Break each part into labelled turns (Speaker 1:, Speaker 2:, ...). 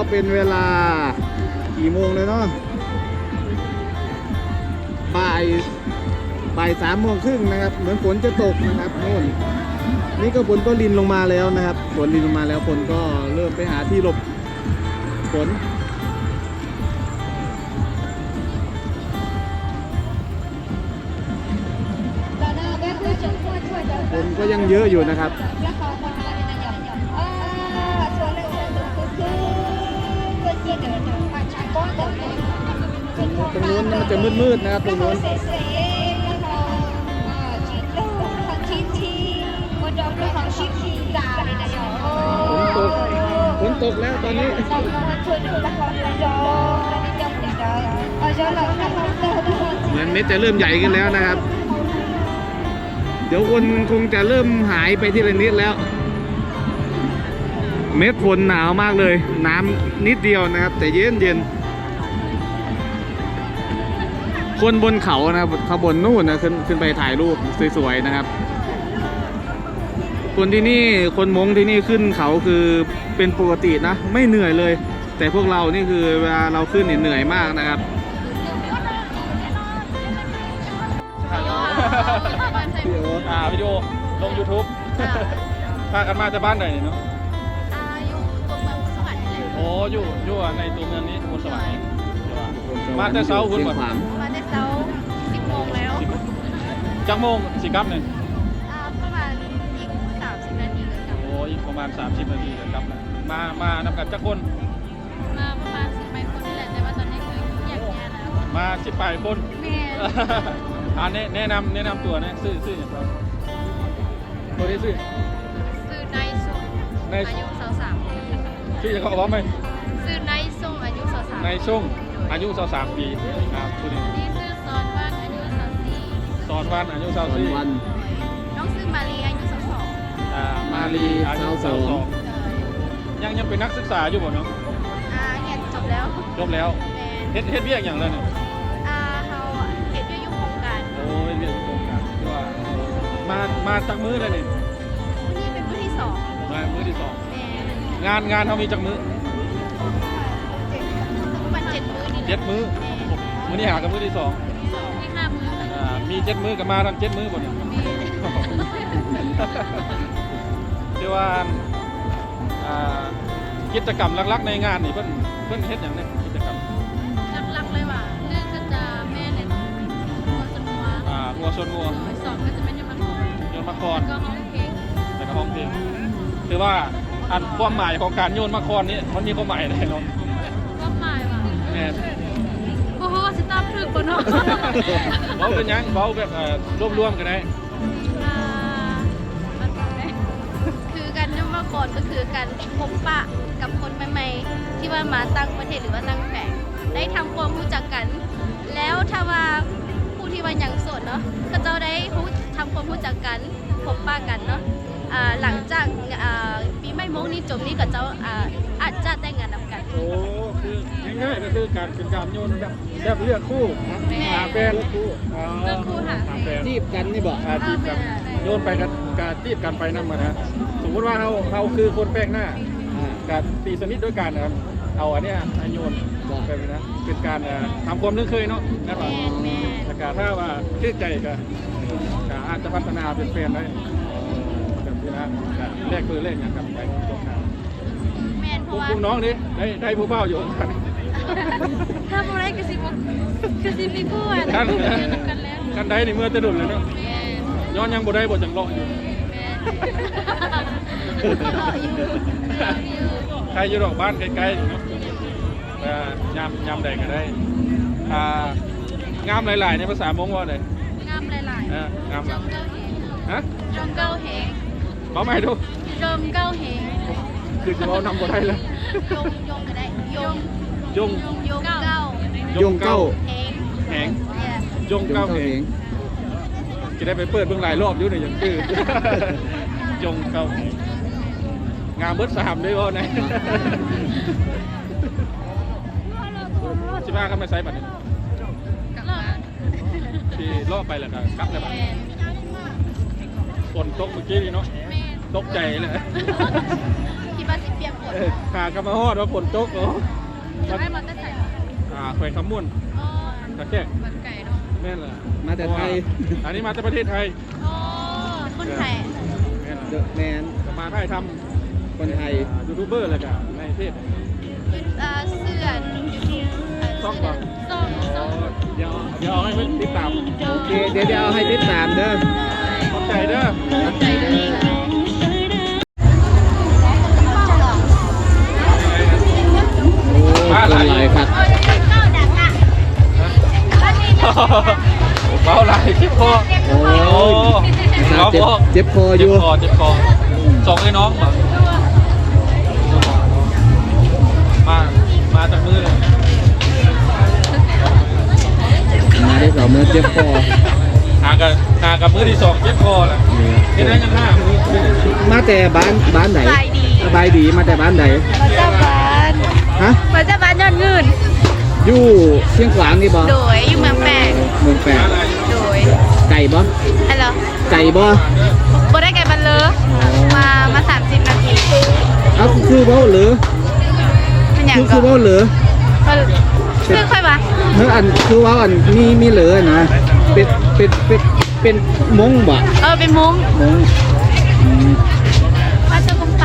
Speaker 1: เป็นเวลากี่โมงเลยเนาะบ่าย3:30นะครับเหมือนฝนจะตกนะครับโน่นนี่ก็ฝนก็รินลงมาแล้วนะครับฝนรินลงมาแล้วคนก็เริ่มไปหาที่หลบฝนคนก็ยังเยอะอยู่นะครับตรงนู้นมันจะมืดๆนะครับตรงนู้นฝนตกแล้วตอนนี้เหมือนเม็ดจะเริ่มใหญ่ขึ้นแล้วนะครับ เดี๋ยวคนคงจะเริ่มหายไปทีละนิดแล้ว เม็ดฝนหนาวมากเลยน้ำนิดเดียวนะครับแต่เย็นคนบนเขานะครับขบวนนู่นนะขึ้นไปถ่ายรูปสวยๆนะครับคนที่นี่คนมงที่นี่ขึ้นเขาคือเป็นปกตินะไม่เหนื่อยเลย แต่พวกเรานี่คือเวลาเราขึ้นเหนื่อยมากนะครับ
Speaker 2: วิดีโอลง YouTube พากันมาจากบ้านไหนเนาะ
Speaker 3: อยู่ตัวเมืองสวรรค์นี่แหละ
Speaker 2: โอ้อยู่ในตัวเมืองนี้บนสวรรค์มาแต่เช้าคุณก่อน
Speaker 3: มาแต่เช้า10 โมงแล้ว
Speaker 2: จักโมงสิกลับเนี่ย
Speaker 3: ประมาณอีก30 นาทีก็กลับ
Speaker 2: โอ้อีกประมาณ30 นาทีก็กลับแล้วมานำกันจักคน
Speaker 3: มาประมาณ10 คนนี่แหละแต่ว่าตอนนี้คือแยกแยะแล้ว
Speaker 2: มา18 คน
Speaker 3: แม่
Speaker 2: แนะนำตัวนะซื้ออย่างไรตัวนี้ซื้
Speaker 3: อนายส่งอายุ23
Speaker 2: ชื่อจะเขาบอกไหม
Speaker 3: ซื้อนายส่งอายุ23
Speaker 2: นายส่งอายุ23 ปีครับตัวนี้
Speaker 3: นี่ซื้อสอนวันอายุ24
Speaker 2: สอนวันอายุ24
Speaker 3: น้องซื้อมาลีอายุ22
Speaker 2: มาลีอายุ22ยังเป็นนักศึกษาอยู่บ่เนาะ
Speaker 3: เรียนจบแล้ว
Speaker 2: เฮ็ดเวียกอย่างไรเนี่ย
Speaker 3: เขาเฮ็ดอยู่โครงการ
Speaker 2: โอ้ยเวียกโครงการที่ว่ามาจักมื้อเลยนี่
Speaker 3: นี่เป็นมื้อที่2
Speaker 2: มามื้อที่2งานเขามีจักมื้อ
Speaker 3: มัน7 มื้อนี่แหละ
Speaker 2: 7 มื้อมื้อนี้หากับมื้อที่2
Speaker 3: ที่5 มื้อ
Speaker 2: มี7 มื้อกับมาทั้ง7 มื้อบ่เนี่ยที่ว่ากิจกรรมหลักๆในงานนี่เพิ่นเฮ็ดอย่างนี้กิจกรรม
Speaker 3: หลักๆเลยว่า1ก็จะแม่เล่นงัวชนงัว2ก็จะเป็นยนต์มะครแล้วก็ห้องเพลง
Speaker 2: คือว่าอันความหมายของการโยนมะครนี่มันมีความหมายอะไรเนาะ
Speaker 3: ความหมายว่า
Speaker 2: แม่
Speaker 3: โอ้โหสิตามถึกบ่เนาะ
Speaker 2: เว้าเป็นหยังเว้าแบบรวมๆกันได้
Speaker 3: คือการโยนมะครก็คือการพบปะกับคนใหม่ๆที่ว่ามาตั้งประเทศหรือว่าตั้งแฝงได้ทำความรู้จักกันแล้วถ้าว่าผู้ที่ว่ายังโสดเนาะก็จะได้ทำความรู้จักกันพบปะกันเนาะหลังจากปีใหม่มงนี้จบนี้ก็จะอาจจะแต่งงานนำกัน
Speaker 2: โอ้คือง่ายๆก็คือการเป็นการโยนแบบเลือกคู่หาแฟน
Speaker 3: เลือกคู่หาแฟน
Speaker 1: จีบกันนี่บอก
Speaker 2: จีบกันโยนไปกันการจีบกันไปนั่นมานะสมมติว่าเราคือคนแปลกหน้าการตีสนิทด้วยกันนะครับเอาอันนี้โยนไปนะเป็นการทำความนึกเคยเนาะนะครับแต่การถ้าว่าชื่นใจก็อาจจะพัฒนาเป็นแฟนได้แบบนี้นะแลกคือแลกอย่างกับไปตรงกันผู้น้องนี่ได้ผู้เบ้าอยู่กัน
Speaker 3: ถ้าผู้ได้กระซิบมีคู่อ่ะ
Speaker 2: กันได้ในเมื่อจะดุลเลยเนาะย้อนยังบ่ได้บ่จังเลาะอยู่ใครอยู่ดอกบ้านใกล้ๆเนาะยามใดก็ได้งามหลายๆในภาษามงว่าเลย
Speaker 3: งามหลาย
Speaker 2: ๆงาม
Speaker 3: จงเก้าเหง
Speaker 2: บอกไม่ดู
Speaker 3: จงเก้าเหง
Speaker 2: คือจะเอานำบ่ได้เลย
Speaker 3: ยงก็ได้ยง
Speaker 1: เก้า
Speaker 2: แหงยงเก้าเหงจะได้ไปเปิดเบื้องหลายรอบอยู่ในอย่างคือยงเก้าเหงงามเบิด3ด้วยว่าไง15ก็ไม่ใส่บัตรที่ล่อไปแล้วก็กลับแล้วบัตรฝนตกเมื่อกี้นี่เนาะตกใจเลย
Speaker 3: คิดว่าสิเปียกฝน
Speaker 2: ขากระมาฮอดว่าฝนตกเหรอ
Speaker 3: จะให้มันก็ใส่
Speaker 2: แขวงคำม่วน
Speaker 3: อ๋อ
Speaker 2: ตะแคก
Speaker 3: มันไก่เนาะ
Speaker 2: แม่นล่ะ
Speaker 1: มาแต่ไทย
Speaker 2: อันนี้มาจากประเทศไทย
Speaker 3: อ๋อคนไทย
Speaker 2: แม่น
Speaker 1: เด
Speaker 2: ล่ะ
Speaker 1: อะแมน
Speaker 2: จะมาถ่ายท
Speaker 1: คนไทย
Speaker 2: ำยูทูบเบอร์เลยกันในประเทศ
Speaker 3: เป็นเสื้อยูทูบ
Speaker 2: ซ่องก่อน
Speaker 3: ซ่อง
Speaker 2: เดี๋ยวเอาให้เพื่อนติดตาม
Speaker 1: โอเค เดี๋ยวเอาให้ติดตามเด้อ
Speaker 2: ขอบใจเด้อ
Speaker 3: ใจเด้อ
Speaker 1: โอ้คนหลายครับ
Speaker 2: เบาไหลเจ็บคอ
Speaker 1: โอ้ยนะครับเจ็บคออ
Speaker 2: เจ็บ
Speaker 1: ยู่
Speaker 2: คอเจ็บคอสองไอ้น้องเหรอมาจากมือเลย
Speaker 1: มาได้สองมือเจ็บคอ
Speaker 2: หากับมือที่สองเจ็บคอแหละเห็นได้ยังห้ามือ
Speaker 1: มาแต่บ้านไหน
Speaker 3: สบายดี
Speaker 1: สบายดีมาแต่บ้านไหน
Speaker 3: มาจากบ้าน
Speaker 1: ฮะ
Speaker 3: มาจากบ้านยอดเงิน
Speaker 1: อยู่เชียงขวางนี่บ่
Speaker 3: โดยอยู่เมืองแปง
Speaker 1: เมืองแปด
Speaker 3: โดย
Speaker 1: ไก่บ่
Speaker 3: ฮัลโหล
Speaker 1: ไก่บ่
Speaker 3: บ่ได้ไก่บันเลยมา30 นาที
Speaker 1: เอาคือเว้าหรือ
Speaker 3: เป็นอย่าง
Speaker 1: คือ
Speaker 3: ก่อน
Speaker 1: เว้าหรือ
Speaker 3: ซึ่งค่อยมา
Speaker 1: เฮ้ยอันคือเว้าอันมีเหลือนะเป็นมงบ่
Speaker 3: เป็นมุ้ง
Speaker 1: มงอืม
Speaker 3: มาจากกรุงเท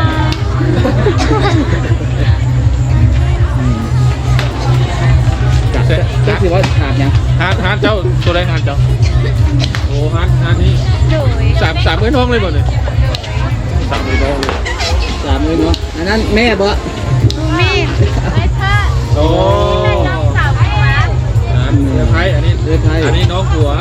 Speaker 3: พ
Speaker 1: จักสิว่าถามยัง
Speaker 2: ฮานเจ้าตัวแรงฮานเจ้าโอ้ฮานนี่
Speaker 3: โดย
Speaker 2: สามมือน้องเลยหมดเลยสามมือน้องเลย
Speaker 1: สามมือเนาะอันนั้นแม่บ่
Speaker 3: มีไอ้ท่า
Speaker 2: โอ้
Speaker 3: น้องสาวมา
Speaker 2: เรือไทยอันนี้น้องผัว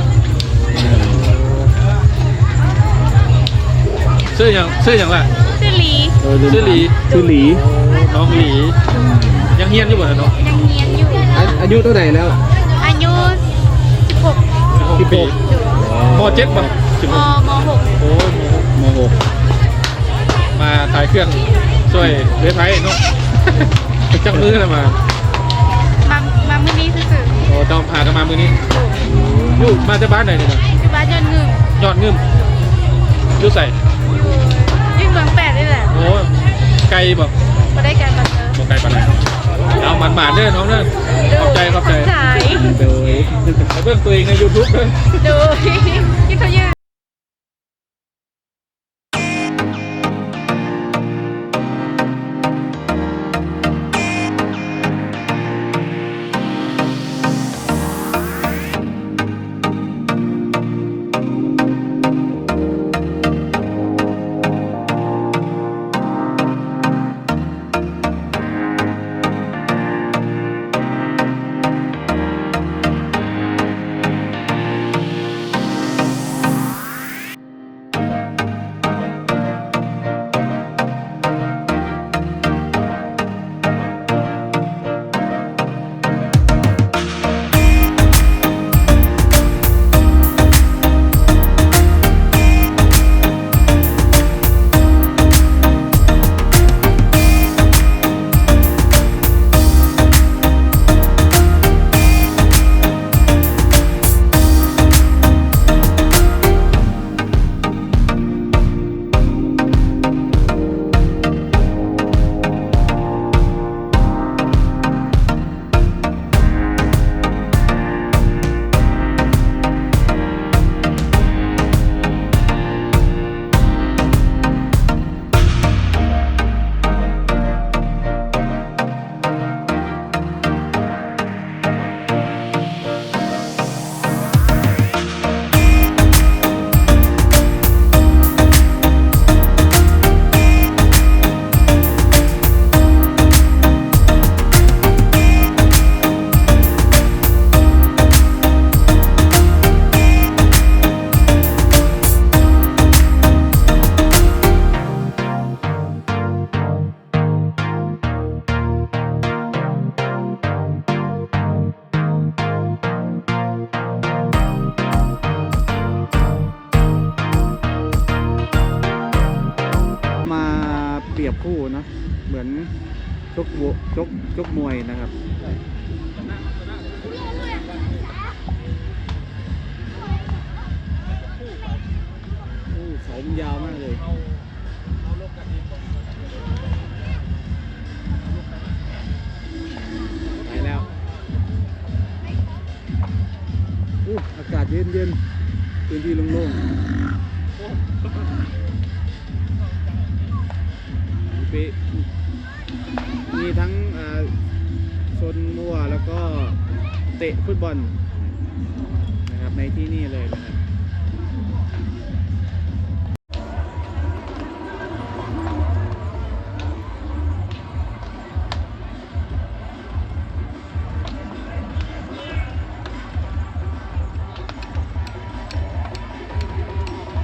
Speaker 2: ชื่ออย่างไร
Speaker 3: ชื่อลี
Speaker 2: ชื่อหลี
Speaker 1: ชื่อหลี
Speaker 2: น้องหลียังเฮียนอยู่บ่เนาะ
Speaker 3: ยังเรียนอยู่
Speaker 1: อายุเท่าไหร่แล้ว
Speaker 3: อายุ16
Speaker 2: 16 ปีม.7 ป่ะ
Speaker 3: ม.6
Speaker 2: โอ้ย
Speaker 1: มหก
Speaker 2: มาถ่ายเครื่องช่วยเรือไทยเนาะจังมือเลยมา
Speaker 3: มามื้อนี้ซื่อ
Speaker 2: โอ้ต้องพากันมามือนี้อยู่มาจากบ้านไหนเนี่ยนะ
Speaker 3: ๆอยู่บ้านยอดเงิน
Speaker 2: ยอดเงินอยู่ใส่
Speaker 3: อยู่เมืองแปดนี่แหละ
Speaker 2: โอ้ไกลบอก
Speaker 3: บ่ได้ไก่บันเลย
Speaker 2: บอกไกลปานไหนเอาหมันๆเด้อน้องเด้อขอบใจ
Speaker 3: สาย
Speaker 1: โดย
Speaker 2: ไปเบิ่งตัวเองใน YouTube เด้อ
Speaker 3: โดยที่เขายืน
Speaker 1: เปรียบคู่เนาะเหมือนชกมวยนะครับโอ้เขามันยาวมากเลยเย็นพื้นที่โล่งๆมีทั้งชนมัวแล้วก็เตะฟุตบอลนะครับในที่นี่เลยนะครับ